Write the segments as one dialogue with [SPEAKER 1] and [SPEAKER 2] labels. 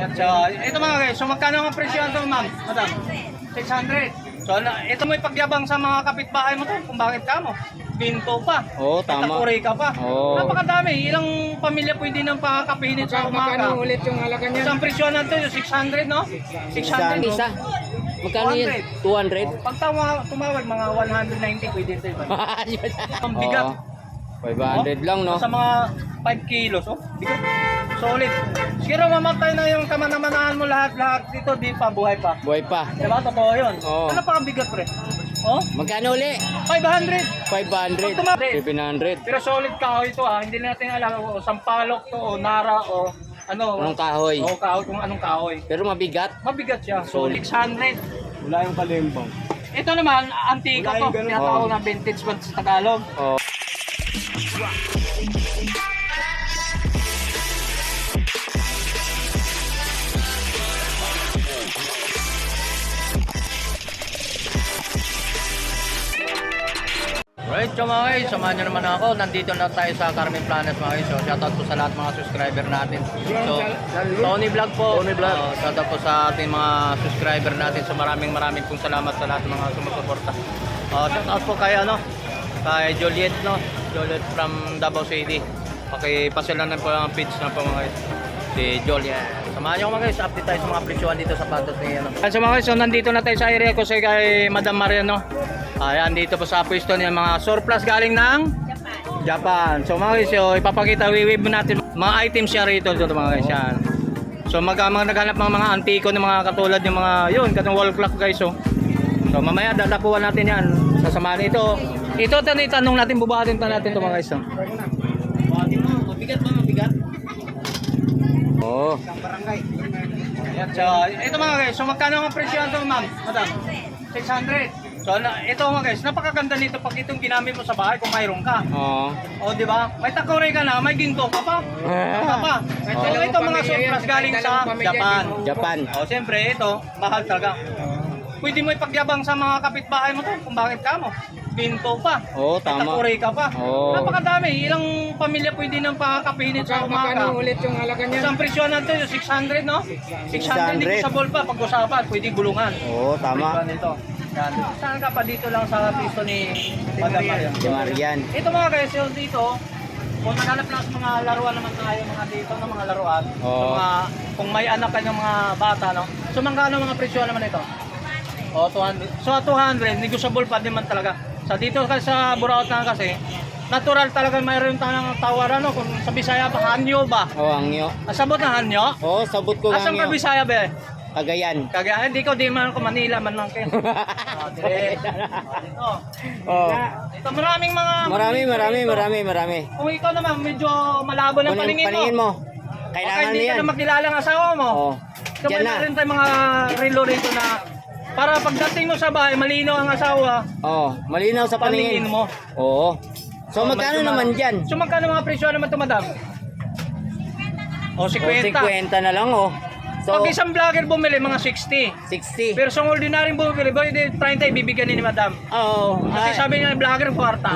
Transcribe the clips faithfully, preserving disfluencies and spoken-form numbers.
[SPEAKER 1] Ayan, so ito mga guys, so magkano ang presyo ito ma'am? Madam? six hundred. So na, ito mo ipagyabang sa mga kapitbahay mo to kung bakit ka mo. Binto pa.
[SPEAKER 2] Oo, tama.
[SPEAKER 1] Takuri ka pa.
[SPEAKER 2] Oo.
[SPEAKER 1] Napakadami. Ilang pamilya pwede nang pakakapihin sa umaga.
[SPEAKER 3] Magkano ulit yung halaga niya?
[SPEAKER 1] Isang presyo na ito, six hundred no? six hundred.
[SPEAKER 2] Isa. Magkano yan? two hundred?
[SPEAKER 1] Pag tawa, tumawag, mga one ninety pwede ito. Ang bigat.
[SPEAKER 2] Oo. five hundred lang, no?
[SPEAKER 1] Sa mga five kilos, oh. Bigat. Solid. Siguro mamatay na yung kamanamanahan mo lahat-lahat dito, di pa, buhay pa.
[SPEAKER 2] Buhay pa.
[SPEAKER 1] Diba? Totoo yun.
[SPEAKER 2] Oo.
[SPEAKER 1] Ano pa ang bigat, pre? Oh?
[SPEAKER 2] Magkano uli?
[SPEAKER 1] five hundred.
[SPEAKER 2] five hundred.
[SPEAKER 1] Pag tumawag.
[SPEAKER 2] seven hundred.
[SPEAKER 1] Pero solid kahoy ito ah. Hindi natin alam o sampalok to o nara o ano.
[SPEAKER 2] Anong kahoy?
[SPEAKER 1] O kahoy kung anong kahoy.
[SPEAKER 2] Pero mabigat.
[SPEAKER 1] Mabigat siya. So six hundred.
[SPEAKER 3] Wala yung kalimbang.
[SPEAKER 1] Ito naman, antika
[SPEAKER 3] Wala
[SPEAKER 1] to.
[SPEAKER 3] yung ganun.
[SPEAKER 1] Tinatawag
[SPEAKER 2] Oo.
[SPEAKER 1] na vintage ba sa Tagalog.
[SPEAKER 2] Oh.
[SPEAKER 1] Right, so mga guys, samahan nyo naman ako. Nandito na tayo sa Carmen Planet mga guys. So shoutout po sa lahat mga subscriber natin. So Tony Vlog po.
[SPEAKER 3] Tony Vlog.
[SPEAKER 1] Uh, shoutout po sa ating mga subscriber natin. So maraming maraming pong salamat sa lahat ng mga sumusuporta. Uh, shoutout po kay ano, kay Juliet no. Juliet from Davao City. Pakipasilan na po ang page na po mga guys. Si Juliet. Samahan nyo mga guys, update tayo sa mga presyohan dito sa patos ni ano. So mga guys, so nandito na tayo sa area ko sa kay Madam Mariano. Ayan, dito po sa pwesto niya mga surplus galing ng Japan. Japan. So mga guys, so, ipapakita, wiwib natin mga items siya rito dito mga guys. Yan. So mag, mga naghanap mga mga antiko ng mga katulad ng mga yun, katong wall clock guys. So, so mamaya dadapuan natin yan. Sasamahan ito. Ito ito itanong natin, bubahatin pa natin ito mga guys. So. Bubahatin mo, mabigat ba mabigat?
[SPEAKER 2] Oh.
[SPEAKER 1] Ayan, so ito mga guys, so magkano ang presyo ito ma'am? Madam? six hundred. So na, ito mga guys, napakaganda nito pag itong ginamit mo sa bahay kung mayroon ka.
[SPEAKER 2] Oh.
[SPEAKER 1] O di ba? May takore ka na, may ginto ka pa. Ka pa. So
[SPEAKER 2] Oh.
[SPEAKER 1] ito mga surplus galing sa Japan.
[SPEAKER 2] Japan.
[SPEAKER 1] O siyempre ito, mahal talaga. Pwede mo ipagyabang sa mga kapitbahay mo to kung bakit ka mo. Ginto pa.
[SPEAKER 2] Oo,
[SPEAKER 1] May
[SPEAKER 2] tama.
[SPEAKER 1] takore ka pa.
[SPEAKER 2] Oo.
[SPEAKER 1] Napakadami. Ilang pamilya pwede nang pakakapihin sa umaga.
[SPEAKER 3] Magkano ulit yung halaga niya?
[SPEAKER 1] Isang presyo natin, six hundred no? six hundred, hindi sa ball pa. Pag-usapan, pwede gulungan.
[SPEAKER 2] Oo, tama.
[SPEAKER 1] Nito. Yan. Saan ka pa dito lang sa piso ni Madam Marian?
[SPEAKER 2] Si Marian.
[SPEAKER 1] Ito mga guys, yung dito, kung naghanap lang sa mga laruan naman tayo mga dito ng mga laruan,
[SPEAKER 2] Oo.
[SPEAKER 1] sa mga, kung may anak ka ng mga bata, no? So magkano mga presyo naman ito? O, two hundred. So two hundred, negotiable pa din man talaga. Sa dito kasi sa Buraot na kasi, natural talaga mayroon tayong tawaran, no? Kung sa Bisaya ba, hanyo ba?
[SPEAKER 2] Oh, angyo.
[SPEAKER 1] Asabot na hanyo?
[SPEAKER 2] Oh, sabot ko
[SPEAKER 1] Asan ka
[SPEAKER 2] angyo.
[SPEAKER 1] Bisaya ba?
[SPEAKER 2] Cagayan.
[SPEAKER 1] Kaya hindi ko di man ko Manila man lang kayo. Ah, dire. Ito.
[SPEAKER 2] Oh.
[SPEAKER 1] Ito maraming mga
[SPEAKER 2] Marami, marami,
[SPEAKER 1] dito.
[SPEAKER 2] marami, marami.
[SPEAKER 1] Kung ikaw naman medyo malabo ng
[SPEAKER 2] Paningin,
[SPEAKER 1] paningin,
[SPEAKER 2] paningin
[SPEAKER 1] mo.
[SPEAKER 2] mo.
[SPEAKER 1] Okay,
[SPEAKER 2] Kailangan
[SPEAKER 1] hindi
[SPEAKER 2] niyan.
[SPEAKER 1] ka na makilala ang asawa mo.
[SPEAKER 2] Oh.
[SPEAKER 1] So
[SPEAKER 2] Diyan
[SPEAKER 1] may
[SPEAKER 2] na.
[SPEAKER 1] rin tayong mga relo rito na para pagdating mo sa bahay, malinaw ang asawa,
[SPEAKER 2] Oh, malinaw sa
[SPEAKER 1] paningin
[SPEAKER 2] paningin.
[SPEAKER 1] mo.
[SPEAKER 2] Oo. So,
[SPEAKER 1] Oh,
[SPEAKER 2] magkano
[SPEAKER 1] medyo
[SPEAKER 2] naman
[SPEAKER 1] ma-
[SPEAKER 2] dyan?
[SPEAKER 1] So magkano mga presyo naman ito, madam? O,
[SPEAKER 2] Oh,
[SPEAKER 1] fifty.
[SPEAKER 2] fifty na lang, oh. So,
[SPEAKER 1] Pag isang vlogger bumili, mga sixty.
[SPEAKER 2] sixty.
[SPEAKER 1] Pero sa ordinaryong bumili, pwede thirty ibibigyan ni madam.
[SPEAKER 2] Oo.
[SPEAKER 1] Kasi
[SPEAKER 2] Ay.
[SPEAKER 1] sabi niya, vlogger, kwarta.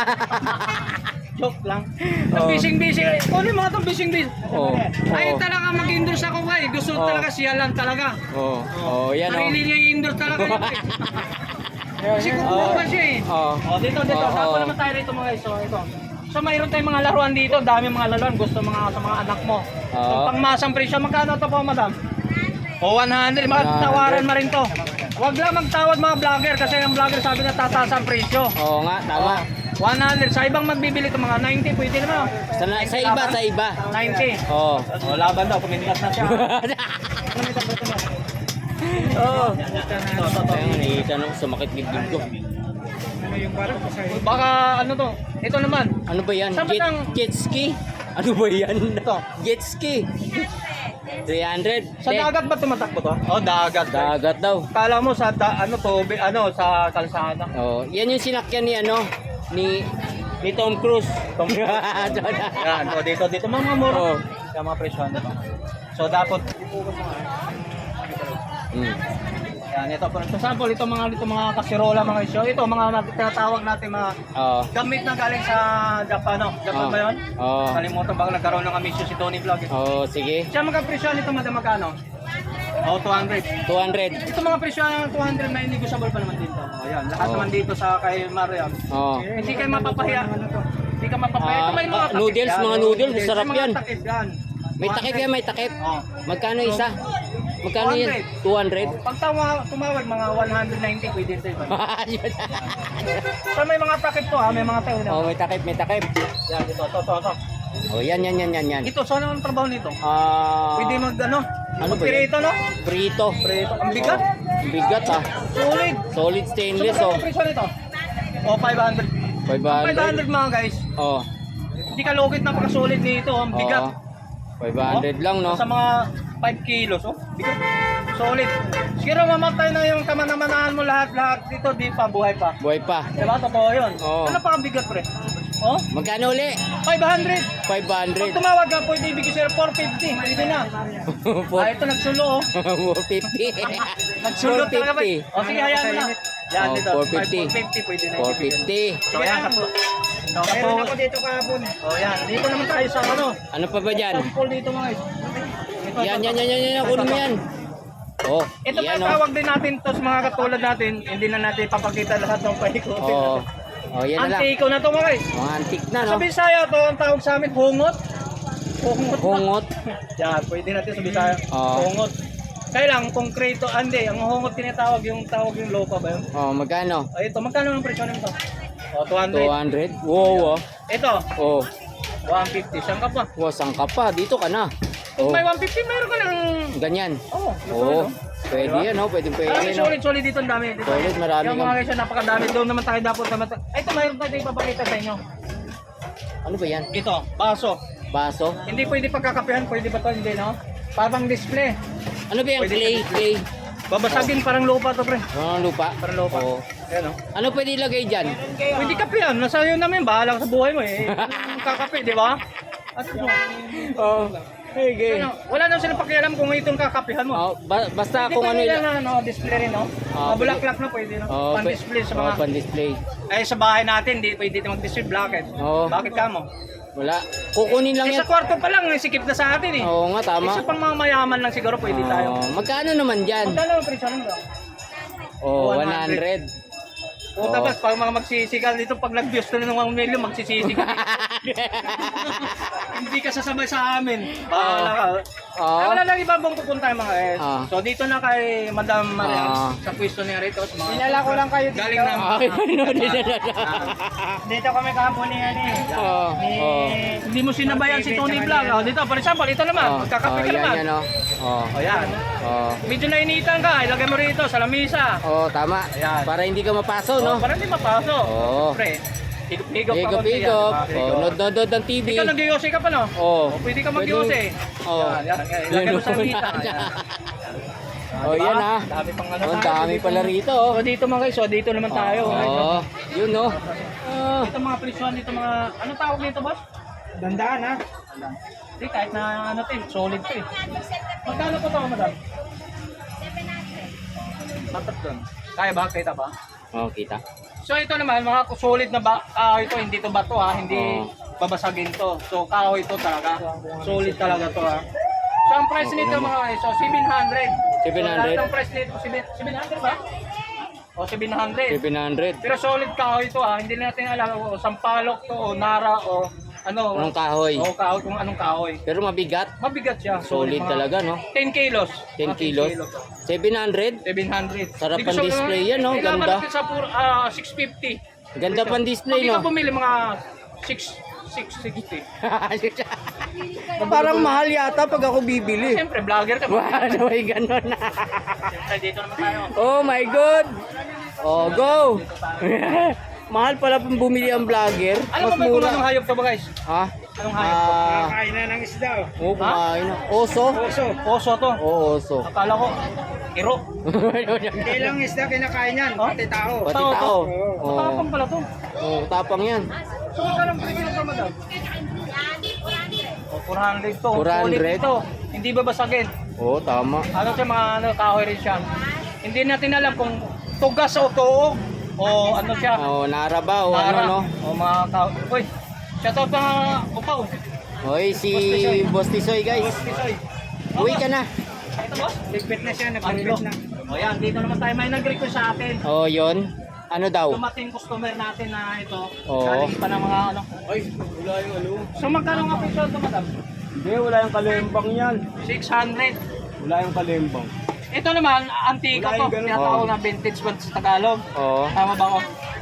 [SPEAKER 1] Joke lang. Ang
[SPEAKER 2] Oh.
[SPEAKER 1] bising-bising. Ano yung mga itong bising-bising?
[SPEAKER 2] Oo.
[SPEAKER 1] Ay,
[SPEAKER 2] Oo.
[SPEAKER 1] talaga mag-endorse ako ba eh. Gusto
[SPEAKER 2] Oh.
[SPEAKER 1] talaga siya lang talaga.
[SPEAKER 2] Oo. Oh, yan, oh.
[SPEAKER 1] Sarili niya i-endorse talaga. yun eh. Kasi kukuha pa siya eh.
[SPEAKER 2] Oo.
[SPEAKER 1] Oh, dito, dito.
[SPEAKER 2] Oo.
[SPEAKER 1] Saan naman tayo rito mga guys? So, ito. So, mayroon tayong mga laruan dito. Dami mga laruan. Gusto mga sa mga anak mo. So,
[SPEAKER 2] Oo.
[SPEAKER 1] pangmasang presyo. Magkano ito po, madam? O, one hundred.
[SPEAKER 2] one hundred.
[SPEAKER 1] Magtawaran mo rin to. Huwag lang magtawad mga vlogger kasi ang vlogger sabi na tataas ang presyo.
[SPEAKER 2] Oo nga, tama.
[SPEAKER 1] one hundred. Sa ibang magbibili ito mga ninety, pwede naman.
[SPEAKER 2] Sa, na- sa iba, sa iba.
[SPEAKER 1] ninety.
[SPEAKER 2] Oo.
[SPEAKER 1] Oh, laban daw, pumindikat na siya.
[SPEAKER 2] Oo.
[SPEAKER 1] Ito, ito, ito.
[SPEAKER 2] Ayun, nakikita nung sumakit dibdib ko.
[SPEAKER 3] Ano yung parang sa'yo?
[SPEAKER 1] Baka ano to? Ito naman.
[SPEAKER 2] Ano ba yan?
[SPEAKER 1] Saan ba
[SPEAKER 2] Jet,
[SPEAKER 1] tang-
[SPEAKER 2] jet ski? Ano ba yan?
[SPEAKER 1] Ito.
[SPEAKER 2] Jet ski. three hundred.
[SPEAKER 1] Sa dagat ba tumatakbo to? Oh, dagat.
[SPEAKER 2] Dagat daw.
[SPEAKER 1] Kala mo sa da, ano to, bi- ano sa kalsada.
[SPEAKER 2] Oh, yan yung sinakyan ni ano ni ni Tom Cruise.
[SPEAKER 1] Tom Cruise. Yan, o dito dito mga mura.
[SPEAKER 2] Oh.
[SPEAKER 1] Yung mga presyo nito. So dapat
[SPEAKER 2] Hmm.
[SPEAKER 1] Yan, ito for example, ito mga ito mga kasirola mga isyo. Ito mga nat- tinatawag natin mga
[SPEAKER 2] Oo.
[SPEAKER 1] gamit na galing sa Japan, no? Japan
[SPEAKER 2] Oh.
[SPEAKER 1] ba 'yon?
[SPEAKER 2] Oo.
[SPEAKER 1] Kalimutan baka nagkaroon ng amisyo si Tony Vlog. Eh.
[SPEAKER 2] Oo, sige.
[SPEAKER 1] Siya magka-presyo nito madam magkano? Oh, two hundred.
[SPEAKER 2] two hundred.
[SPEAKER 1] Ito mga presyo ng two hundred na negotiable pa naman dito. Oh, yan. Lahat
[SPEAKER 2] Oh.
[SPEAKER 1] naman dito sa kay Mariam.
[SPEAKER 2] Oo.
[SPEAKER 1] Hindi kayo mapapahiya. Hindi ka mapapahiya.
[SPEAKER 2] Ah,
[SPEAKER 1] Ito may mga
[SPEAKER 2] ah,
[SPEAKER 1] takip
[SPEAKER 2] noodles,
[SPEAKER 1] yan.
[SPEAKER 2] mga noodles, sarap
[SPEAKER 1] May mga
[SPEAKER 2] yan.
[SPEAKER 1] takip yan.
[SPEAKER 2] May takip yan, may takip.
[SPEAKER 1] Oh.
[SPEAKER 2] Magkano isa? Magkano yan? two hundred.
[SPEAKER 1] Pag tawa, tumawag mga one ninety pwede ito iba. So may mga takip to ha, may mga tayo na.
[SPEAKER 2] Oh, may takip, may takip.
[SPEAKER 1] Yan, ito, ito, ito, ito.
[SPEAKER 2] Oh, yan, yan, yan, yan, yan.
[SPEAKER 1] Ito, saan ang trabaho nito?
[SPEAKER 2] Ah,
[SPEAKER 1] Pwede mag, ano?
[SPEAKER 2] Ano ba yan?
[SPEAKER 1] Pirito, no?
[SPEAKER 2] Prito.
[SPEAKER 1] Pirito. Ang bigat.
[SPEAKER 2] Oh, ang bigat ah.
[SPEAKER 1] Solid.
[SPEAKER 2] Solid
[SPEAKER 1] So,
[SPEAKER 2] stainless
[SPEAKER 1] magkano
[SPEAKER 2] oh.
[SPEAKER 1] ang presyo nito? Oh, five hundred.
[SPEAKER 2] five
[SPEAKER 1] five
[SPEAKER 2] hundred.
[SPEAKER 1] hundred mga guys.
[SPEAKER 2] Oh.
[SPEAKER 1] Hindi ka logit, napaka-solid nito. Ang bigat.
[SPEAKER 2] Oo. five hundred lang no.
[SPEAKER 1] Sa mga five kilos, oh. Bigat. Solid. Siguro mamatay na yung kamanamanahan mo lahat-lahat dito, di pa, buhay pa.
[SPEAKER 2] Buhay pa.
[SPEAKER 1] Diba? Totoo yun.
[SPEAKER 2] Oo.
[SPEAKER 1] Ano pa ang bigat, pre? Oh?
[SPEAKER 2] Magkano uli?
[SPEAKER 1] five hundred.
[SPEAKER 2] five
[SPEAKER 1] Pag
[SPEAKER 2] hundred.
[SPEAKER 1] tumawag ka, pwede ibigay sa'yo four fifty. Pwede na. Ah, ito nagsulo, oh.
[SPEAKER 2] four fifty.
[SPEAKER 1] Nagsulo
[SPEAKER 2] four
[SPEAKER 1] talaga ba?
[SPEAKER 2] fifty.
[SPEAKER 1] O sige, hayaan mo na. Yan,
[SPEAKER 2] Oh,
[SPEAKER 1] dito.
[SPEAKER 2] four fifty.
[SPEAKER 1] four fifty, pwede na.
[SPEAKER 2] four
[SPEAKER 1] ibigay.
[SPEAKER 2] fifty.
[SPEAKER 1] So, yan, kapo. So,
[SPEAKER 3] Meron
[SPEAKER 1] kapo.
[SPEAKER 3] ako dito kahapon.
[SPEAKER 1] Oh, yan. Dito naman tayo sa ano.
[SPEAKER 2] Ano pa ba dyan?
[SPEAKER 1] Sample dito, mga guys. Ito,
[SPEAKER 2] Yan,
[SPEAKER 1] ito.
[SPEAKER 2] yan, yan, yan, yan. Kunin mo yan. Oh,
[SPEAKER 1] Ito pa
[SPEAKER 2] yan oh.
[SPEAKER 1] tawag din natin to sa mga katulad natin. Hindi na natin papakita lahat ng paikutin
[SPEAKER 2] Oh.
[SPEAKER 1] natin.
[SPEAKER 2] Oh, yan na lang.
[SPEAKER 1] Antiko na to, mga guys.
[SPEAKER 2] Mga antique na no.
[SPEAKER 1] Sa Bisaya to, ang tawag sa amin, hungot. Hungot.
[SPEAKER 2] Hungot.
[SPEAKER 1] Yan, pwede natin sa Bisaya.
[SPEAKER 2] Oo.
[SPEAKER 1] Hungot. Kaya lang, konkreto, andi, ang hungot tinatawag yung tawag yung lopa ba yun?
[SPEAKER 2] Oh, magkano?
[SPEAKER 1] O ito, magkano ang presyo nito? O, two hundred.
[SPEAKER 2] two hundred. Wow, oh.
[SPEAKER 1] Ito,
[SPEAKER 2] Oh,
[SPEAKER 1] one fifty. Saan ka pa?
[SPEAKER 2] wow, saan ka pa? Dito ka na.
[SPEAKER 1] Kung
[SPEAKER 2] Oh,
[SPEAKER 1] may one fifty, mayroon ka ng...
[SPEAKER 2] ganyan.
[SPEAKER 1] Oo,
[SPEAKER 2] Oh,
[SPEAKER 1] oh,
[SPEAKER 2] pwede yan, oh. Pwede, pwede,
[SPEAKER 1] Marami
[SPEAKER 2] no.
[SPEAKER 1] solid, solid dito ang dami. Dito.
[SPEAKER 2] Solid, marami
[SPEAKER 1] Yung
[SPEAKER 2] nga.
[SPEAKER 1] mga guys, napakadami. Doon naman tayo dapat naman. tayo- Ay, ito, mayroon tayo ipapakita sa inyo.
[SPEAKER 2] Ano ba yan?
[SPEAKER 1] Ito, baso.
[SPEAKER 2] Baso?
[SPEAKER 1] Hindi pwede pagkakapihan, pwede ba ito? Hindi, no? Parang display.
[SPEAKER 2] Ano ba yan?
[SPEAKER 1] Pwede
[SPEAKER 2] Clay,
[SPEAKER 1] sa-
[SPEAKER 2] clay.
[SPEAKER 1] Babasagin, parang lupa to, pre.
[SPEAKER 2] Ano, lupa?
[SPEAKER 1] Parang lupa.
[SPEAKER 2] Oh.
[SPEAKER 1] Ayan, no?
[SPEAKER 2] Ano pwede ilagay dyan?
[SPEAKER 1] Pwede kapihan. Nasa iyo namin, bahala ka sa buhay mo eh. Kung kakape, di ba? At ano?
[SPEAKER 2] Oh, hey,
[SPEAKER 1] Ano, wala na silang pakialam kung itong kakapihan mo.
[SPEAKER 2] Oh, ba- basta
[SPEAKER 1] Hindi
[SPEAKER 2] kung
[SPEAKER 1] pa
[SPEAKER 2] ano
[SPEAKER 1] nila
[SPEAKER 2] ila-
[SPEAKER 1] na ano, display rin, no?
[SPEAKER 2] Ah,
[SPEAKER 1] Mabulaklak na pwede, no?
[SPEAKER 2] Oh,
[SPEAKER 1] Pan-display sa
[SPEAKER 2] oh,
[SPEAKER 1] mga...
[SPEAKER 2] pan-display.
[SPEAKER 1] Ay, sa bahay natin, di pwede mag-display blacket.
[SPEAKER 2] Oo.
[SPEAKER 1] Bakit ka mo?
[SPEAKER 2] Wala. Kukunin lang
[SPEAKER 1] Eh,
[SPEAKER 2] yan.
[SPEAKER 1] sa kwarto pa lang, eh, sikip na sa atin eh.
[SPEAKER 2] Oo nga, tama.
[SPEAKER 1] Isa pang mga mayaman lang siguro pwede tayo.
[SPEAKER 2] Oh, magkano naman dyan?
[SPEAKER 1] Magkano ang presyo nito?
[SPEAKER 2] Oh,
[SPEAKER 1] one
[SPEAKER 2] one hundred.
[SPEAKER 1] O
[SPEAKER 2] Oo.
[SPEAKER 1] tapos pag mga magsisigal dito, pag nag-views na ng one million, magsisisigal. Hindi ka sasabay sa amin. Bahala ka.
[SPEAKER 2] Oo.
[SPEAKER 1] Ay, wala lang iba bang pupunta yung mga eh.
[SPEAKER 2] Ah.
[SPEAKER 1] So dito na kay Madam Mariam
[SPEAKER 2] Ah.
[SPEAKER 1] sa pwesto niya rito. Sa mga
[SPEAKER 3] Dinala ko lang kayo dito.
[SPEAKER 1] galing ng...
[SPEAKER 2] Okay, ano,
[SPEAKER 3] Dito kami kahapon ni ano eh.
[SPEAKER 2] Oh,
[SPEAKER 3] Ni...
[SPEAKER 2] oh.
[SPEAKER 1] Hindi mo sinabayan si Tony Vlog. Oh, dito, for example, ito naman.
[SPEAKER 2] Oh,
[SPEAKER 1] Magkakape
[SPEAKER 2] oh,
[SPEAKER 1] ka
[SPEAKER 2] yan,
[SPEAKER 1] naman.
[SPEAKER 2] yan, oh. Oh,
[SPEAKER 1] O yan.
[SPEAKER 2] oh.
[SPEAKER 1] Medyo nainitan ka, ilagay mo rito sa lamisa.
[SPEAKER 2] Oh, tama.
[SPEAKER 1] Ayan.
[SPEAKER 2] Para hindi ka mapaso,
[SPEAKER 1] No?
[SPEAKER 2] no?
[SPEAKER 1] Para hindi mapasok.
[SPEAKER 2] Oo.
[SPEAKER 1] Siyempre, higop-higop pa
[SPEAKER 2] Higop,
[SPEAKER 1] konti yan,
[SPEAKER 2] higop.
[SPEAKER 1] diba?
[SPEAKER 2] Oh, nod-nod ng T V.
[SPEAKER 1] Ikaw nag-yose ka pa, no?
[SPEAKER 2] Oh.
[SPEAKER 1] O, pwede ka mag-yose.
[SPEAKER 2] Oh.
[SPEAKER 1] Yan, yan, yan. Ilagay mo sa lamisa. Yan.
[SPEAKER 2] Oh,
[SPEAKER 1] Diba?
[SPEAKER 2] yan ah.
[SPEAKER 1] Dami pang ano
[SPEAKER 2] Oh, ang
[SPEAKER 1] tayo.
[SPEAKER 2] dami
[SPEAKER 1] Dito-
[SPEAKER 2] pala rito, oh.
[SPEAKER 1] O, dito mga guys, o, dito naman tayo.
[SPEAKER 2] Oh, yun, no? Oh.
[SPEAKER 1] Ito mga presyon, dito mga, ano tawag nito, boss?
[SPEAKER 3] Dandaan ha.
[SPEAKER 1] Hindi, kahit na ano to, eh, solid to eh. Magkano po ito, madam? Matat doon. Kaya ba? Kita ba?
[SPEAKER 2] Oh, kita.
[SPEAKER 1] So ito naman, mga solid na ba, kahoy ito, hindi to bato ha, hindi
[SPEAKER 2] Oo.
[SPEAKER 1] babasagin to. So kahoy ito talaga, solid talaga to ha. So ang price nito mga guys, so seven hundred.
[SPEAKER 2] seven hundred?
[SPEAKER 1] So lahat ng price nito, seven hundred ba? O seven hundred.
[SPEAKER 2] seven hundred.
[SPEAKER 1] Pero solid kahoy ito ha, hindi natin alam o sampalok to o nara o ano.
[SPEAKER 2] Anong kahoy?
[SPEAKER 1] O kahoy, kung anong kahoy.
[SPEAKER 2] Pero mabigat.
[SPEAKER 1] Mabigat siya.
[SPEAKER 2] Solid
[SPEAKER 1] mga
[SPEAKER 2] talaga, no?
[SPEAKER 1] ten kilos.
[SPEAKER 2] ten
[SPEAKER 1] Mga
[SPEAKER 2] kilos. seven hundred?
[SPEAKER 1] seven hundred.
[SPEAKER 2] Sarap
[SPEAKER 1] Hindi ko
[SPEAKER 2] ang
[SPEAKER 1] sa-
[SPEAKER 2] display yan, no?
[SPEAKER 1] Kailangan
[SPEAKER 2] Ganda.
[SPEAKER 1] natin sa pur, ah, six fifty.
[SPEAKER 2] Ganda pang display,
[SPEAKER 1] Pag
[SPEAKER 2] no?
[SPEAKER 1] ikaw bumili mga six sixty.
[SPEAKER 2] Parang mahal yata pag ako bibili.
[SPEAKER 1] Siyempre, vlogger ka.
[SPEAKER 2] Wow, may ganun.
[SPEAKER 1] Siyempre, dito naman tayo.
[SPEAKER 2] Oh my God! Oh, go! Mahal pala pang bumili ang vlogger.
[SPEAKER 1] Alam mo
[SPEAKER 2] Mas
[SPEAKER 1] ba kung
[SPEAKER 2] mura.
[SPEAKER 1] anong hayop to ba guys?
[SPEAKER 2] Ha?
[SPEAKER 1] Anong hayop to?
[SPEAKER 2] Ah,
[SPEAKER 3] Kain na ng isda oh.
[SPEAKER 2] oh, kumain na. Oso?
[SPEAKER 1] Oso. Oso to.
[SPEAKER 2] Oo, oso.
[SPEAKER 1] Akala ko, iro.
[SPEAKER 3] Hindi lang isda kinakain yan,
[SPEAKER 1] Oh?
[SPEAKER 3] pati tao.
[SPEAKER 2] Pati
[SPEAKER 1] Tao to.
[SPEAKER 2] tao.
[SPEAKER 3] Oo.
[SPEAKER 2] Oh,
[SPEAKER 1] Tapang pala to.
[SPEAKER 2] oh, tapang yan.
[SPEAKER 1] So, magkano ang presyo nito, madam? Oh, four hundred to.
[SPEAKER 2] four hundred?
[SPEAKER 1] Solid ito. Hindi ba basagin?
[SPEAKER 2] Oo, tama.
[SPEAKER 1] Ano siya mga ano, kahoy rin siya. hindi natin alam kung tugas o tuog o ano siya.
[SPEAKER 2] Oh, naraba o ano
[SPEAKER 1] Para,
[SPEAKER 2] no.
[SPEAKER 1] O mga tao. Uy, shout out mga upaw.
[SPEAKER 2] Hoy, si Boss Tisoy guys.
[SPEAKER 1] Tisoy.
[SPEAKER 2] Uwi ka na.
[SPEAKER 1] Ito boss?
[SPEAKER 3] Ligpit na siya,
[SPEAKER 1] Ano
[SPEAKER 3] nagpalipit na.
[SPEAKER 1] O yan, dito naman tayo may nag-request sa atin.
[SPEAKER 2] Oh, yon. Ano daw?
[SPEAKER 1] Dumating customer natin na ito.
[SPEAKER 2] Oo.
[SPEAKER 1] Galing pa ng mga ano.
[SPEAKER 3] Ay, wala yung ano.
[SPEAKER 1] So magkano nga presyo ito madam?
[SPEAKER 3] Hindi, wala yung kalembang yan.
[SPEAKER 1] six hundred.
[SPEAKER 3] Wala yung kalembang.
[SPEAKER 1] Ito naman, antika
[SPEAKER 3] Wala
[SPEAKER 1] to.
[SPEAKER 3] yung ganun.
[SPEAKER 1] Tinatawag
[SPEAKER 2] Oo.
[SPEAKER 1] na vintage ba sa Tagalog.
[SPEAKER 2] Oh.
[SPEAKER 1] Tama ba ako?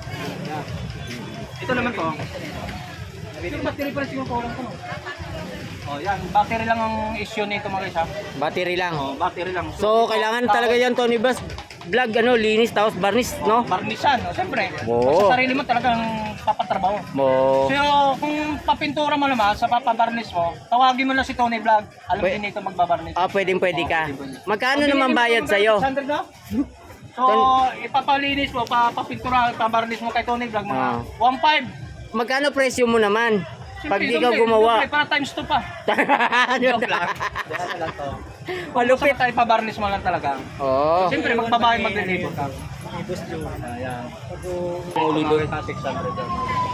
[SPEAKER 1] Ito naman to. Yung battery pa rin siguro kulang ko. No? Oh, yan. Battery lang ang issue nito mga guys ha.
[SPEAKER 2] Battery lang.
[SPEAKER 1] Oh, battery lang.
[SPEAKER 2] So, kailangan talaga yan, Tony Bass. Vlog, ano, linis, tapos varnish, no?
[SPEAKER 1] Barnisan, oh, siyempre.
[SPEAKER 2] Oo.
[SPEAKER 1] Sa sarili mo talagang papatrabaho.
[SPEAKER 2] Mo.
[SPEAKER 1] So, kung papintura mo naman sa papabarnish mo, tawagin mo lang si Tony Vlog. Alam
[SPEAKER 2] Pwe-
[SPEAKER 1] din nito magbabarnish.
[SPEAKER 2] Ah, pwedeng pwede ka. Magkano
[SPEAKER 1] Okay,
[SPEAKER 2] naman
[SPEAKER 1] hindi
[SPEAKER 2] bayad
[SPEAKER 1] mo
[SPEAKER 2] sa'yo?
[SPEAKER 1] six hundred na? So, ipapalinis mo, papapintura, pabarnish mo kay Tony Vlog, mga
[SPEAKER 2] Ah.
[SPEAKER 1] one five.
[SPEAKER 2] Magkano presyo mo naman? Pag di ka
[SPEAKER 1] Siyempre,
[SPEAKER 2] gumawa.
[SPEAKER 1] siyempre, para times two pa.
[SPEAKER 2] Ano
[SPEAKER 1] Joke
[SPEAKER 2] na?
[SPEAKER 1] lang. Diyan lang to.
[SPEAKER 2] Malupit.
[SPEAKER 1] Basta tayo pabarnish mo lang talaga.
[SPEAKER 2] Oo.
[SPEAKER 1] Siyempre, magbabayad maglilibot ka. Ayan.
[SPEAKER 2] Ulo doon.
[SPEAKER 1] six hundred doon.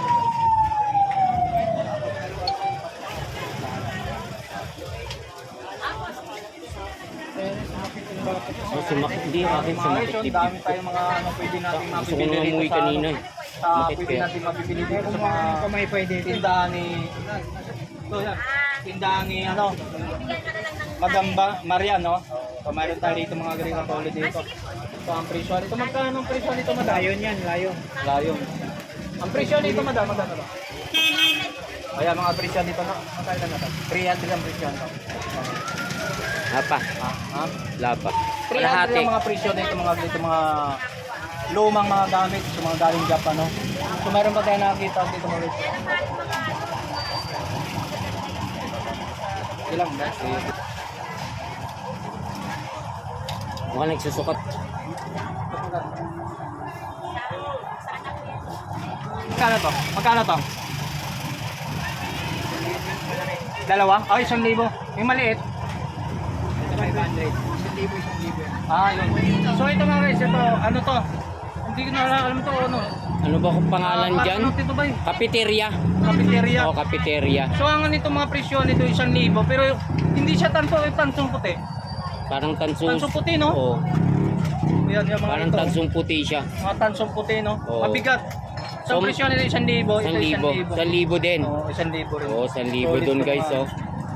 [SPEAKER 2] Oh, sumakit. Hindi, akin
[SPEAKER 1] Mga
[SPEAKER 2] sumakit
[SPEAKER 1] guys,
[SPEAKER 2] dibdib
[SPEAKER 1] dami
[SPEAKER 2] ko.
[SPEAKER 1] tayong mga ano pwede nating
[SPEAKER 2] Gusto ko
[SPEAKER 1] mabibili
[SPEAKER 2] nang
[SPEAKER 1] dito
[SPEAKER 2] umuwi
[SPEAKER 1] sa
[SPEAKER 2] kanina
[SPEAKER 1] ano,
[SPEAKER 2] eh.
[SPEAKER 1] sa
[SPEAKER 2] Sumakit
[SPEAKER 1] pwede
[SPEAKER 2] kaya.
[SPEAKER 1] natin mabibili dito sa mga
[SPEAKER 3] Kamay pwede.
[SPEAKER 1] tindahan ni so yan tindahan ni ano Magamba Marian no. So mayroon tayo dito mga green katulad dito. So ang presyo nito magkano ang presyo nito madam?
[SPEAKER 3] Layon yan, layon.
[SPEAKER 1] Layon. Ang presyo nito madam magkano ba? Ayan mga presyo dito na. Magkano na natin? three hundred ang presyo nito.
[SPEAKER 2] Lapa.
[SPEAKER 1] Ha? Ha?
[SPEAKER 2] Lapa.
[SPEAKER 1] three hundred
[SPEAKER 2] Kalahati.
[SPEAKER 1] ang mga presyo dito mga dito mga lumang mga gamit sa mga galing Japan no. So mayroon pa tayo nakakita dito mga guys. Ilang ba?
[SPEAKER 2] Mukhang nagsusukat.
[SPEAKER 1] Magkano to? Magkano to? Dalawa? Ay, isang libo. Yung maliit.
[SPEAKER 3] five hundred. Isang libo, isang libo.
[SPEAKER 1] Ah, yun. So ito mga guys, ito, ano to? Hindi ko na alam to, ano?
[SPEAKER 2] Ano ba kung pangalan
[SPEAKER 1] Ah,
[SPEAKER 2] dyan?
[SPEAKER 1] Ano ito ba eh?
[SPEAKER 2] Cafeteria.
[SPEAKER 1] Cafeteria.
[SPEAKER 2] O, cafeteria.
[SPEAKER 1] So ang nito mga presyo nito isang libo, pero hindi siya tanso, tansong puti.
[SPEAKER 2] Parang tansong...
[SPEAKER 1] Tansong puti, no?
[SPEAKER 2] Oo.
[SPEAKER 1] Yan, yung mga
[SPEAKER 2] Parang
[SPEAKER 1] ito.
[SPEAKER 2] tansong puti siya.
[SPEAKER 1] Mga tansong puti, no?
[SPEAKER 2] Oo.
[SPEAKER 1] Mabigat. So,
[SPEAKER 2] So,
[SPEAKER 1] presyo nito isang libo, ito
[SPEAKER 2] Isang libo. Isang libo din.
[SPEAKER 1] Oo, isang libo rin.
[SPEAKER 2] Oo, isang libo
[SPEAKER 1] Solid
[SPEAKER 2] dun
[SPEAKER 1] to,
[SPEAKER 2] guys,
[SPEAKER 1] mga-
[SPEAKER 2] oh.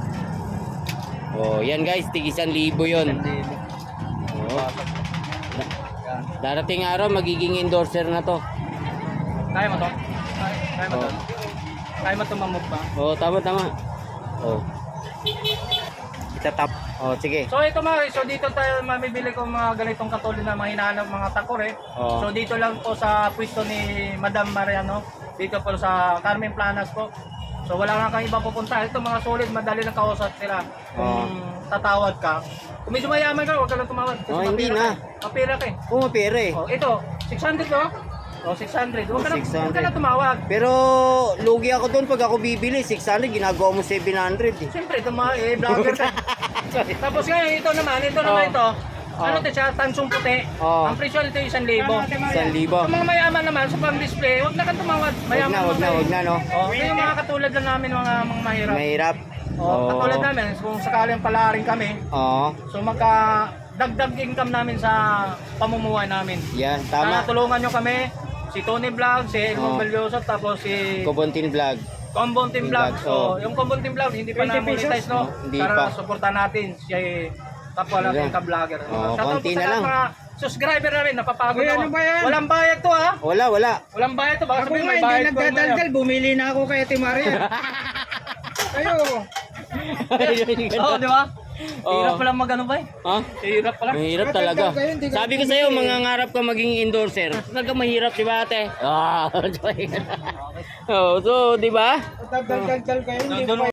[SPEAKER 2] Oh, yan guys, tig isang libo yun.
[SPEAKER 1] Isang libo.
[SPEAKER 2] Oh. Da-
[SPEAKER 1] Yan.
[SPEAKER 2] Darating araw, magiging endorser na to.
[SPEAKER 1] Kaya mo to? Kaya, kaya mo to?
[SPEAKER 2] Oo.
[SPEAKER 1] Kaya mo tumamog pa?
[SPEAKER 2] Oh, tama, tama. Oh. Itatap. Oh, sige.
[SPEAKER 1] So ito mga guys, so dito tayo mamibili ko mga ganitong katulad na mga hinahanap mga takore.
[SPEAKER 2] Oo.
[SPEAKER 1] So dito lang po sa pwesto ni Madam Mariano, dito po sa Carmen Planas po. So wala nga kang iba pupunta. Ito mga solid, madali lang kausap sila. Kung tatawad ka. Kung medyo mayaman ka, huwag ka lang tumawad. Kasi
[SPEAKER 2] Oh, hindi
[SPEAKER 1] mapira
[SPEAKER 2] na.
[SPEAKER 1] ka eh. Mapira ka eh.
[SPEAKER 2] Oh, mapera eh.
[SPEAKER 1] Oh, ito, six hundred no? Oh, six hundred. Huwag ka na,
[SPEAKER 2] six
[SPEAKER 1] huwag ka
[SPEAKER 2] hundred.
[SPEAKER 1] na tumawag.
[SPEAKER 2] Pero lugi ako doon pag ako bibili, six hundred, ginagawa mo seven hundred eh.
[SPEAKER 1] Siyempre, ito mga eh, vlogger ka. Tapos ngayon, ito naman, ito naman
[SPEAKER 2] Oh.
[SPEAKER 1] ito.
[SPEAKER 2] Oh.
[SPEAKER 1] Ano ito siya? Tansong puti.
[SPEAKER 2] Oh.
[SPEAKER 1] Ang presyo nito isang libo.
[SPEAKER 2] Isang libo.
[SPEAKER 1] Sa mga mayaman naman, sa pang-display, huwag na kang tumawad.
[SPEAKER 2] Huwag
[SPEAKER 1] Mayaman
[SPEAKER 2] na, huwag na,
[SPEAKER 1] naman
[SPEAKER 2] huwag
[SPEAKER 1] eh.
[SPEAKER 2] na, no?
[SPEAKER 1] Oh, ito yung mga katulad lang namin, mga, mga mahirap.
[SPEAKER 2] Mahirap.
[SPEAKER 1] Oh, katulad namin, kung sakaling palaring kami,
[SPEAKER 2] Oo.
[SPEAKER 1] so magka dagdag income namin sa pamumuhay namin.
[SPEAKER 2] Yan,
[SPEAKER 1] Sana
[SPEAKER 2] tama.
[SPEAKER 1] tulungan nyo kami, si Tony Vlog, si Elmo
[SPEAKER 2] Oh.
[SPEAKER 1] Belyoso, tapos si
[SPEAKER 2] Kobontin Vlog.
[SPEAKER 1] Combon Team Vlog.
[SPEAKER 2] Vlog,
[SPEAKER 1] So,
[SPEAKER 2] oh.
[SPEAKER 1] yung Combon Team Vlog, hindi pa
[SPEAKER 3] twenty
[SPEAKER 1] na-monetize,
[SPEAKER 3] pesos?
[SPEAKER 1] no?
[SPEAKER 2] Oh, hindi
[SPEAKER 1] Para
[SPEAKER 2] pa.
[SPEAKER 1] supportan natin si kapwa natin
[SPEAKER 2] Yan.
[SPEAKER 1] ka-vlogger.
[SPEAKER 2] Oh,
[SPEAKER 1] Shoutout
[SPEAKER 2] konti
[SPEAKER 1] po sa
[SPEAKER 2] na lang.
[SPEAKER 1] mga subscriber namin, napapagod
[SPEAKER 3] Uy,
[SPEAKER 1] ako.
[SPEAKER 3] ano ba yan?
[SPEAKER 1] Walang bayad to, ha?
[SPEAKER 2] Wala, wala.
[SPEAKER 1] Walang bayad to. Baka
[SPEAKER 3] Ako
[SPEAKER 1] sabihin
[SPEAKER 3] nga,
[SPEAKER 1] may
[SPEAKER 3] hindi
[SPEAKER 1] bayad ko.
[SPEAKER 3] nagdadaldal. Bumili na ako kay Ate Maria. Kayo.
[SPEAKER 1] Oo, di ba?
[SPEAKER 2] Oo.
[SPEAKER 1] Hirap pala mag-ano ba eh?
[SPEAKER 2] Ha?
[SPEAKER 1] Hirap pala.
[SPEAKER 2] Mahirap
[SPEAKER 3] Bakit
[SPEAKER 2] talaga.
[SPEAKER 3] daw kayo, hindi ka
[SPEAKER 2] Sabi ko sa'yo, mangangarap ka maging endorser. Talaga mahirap, di ba ate? Ah, oh, so, di ba?
[SPEAKER 3] Daldal-daldal kayo. Hindi
[SPEAKER 1] Doon-
[SPEAKER 3] pa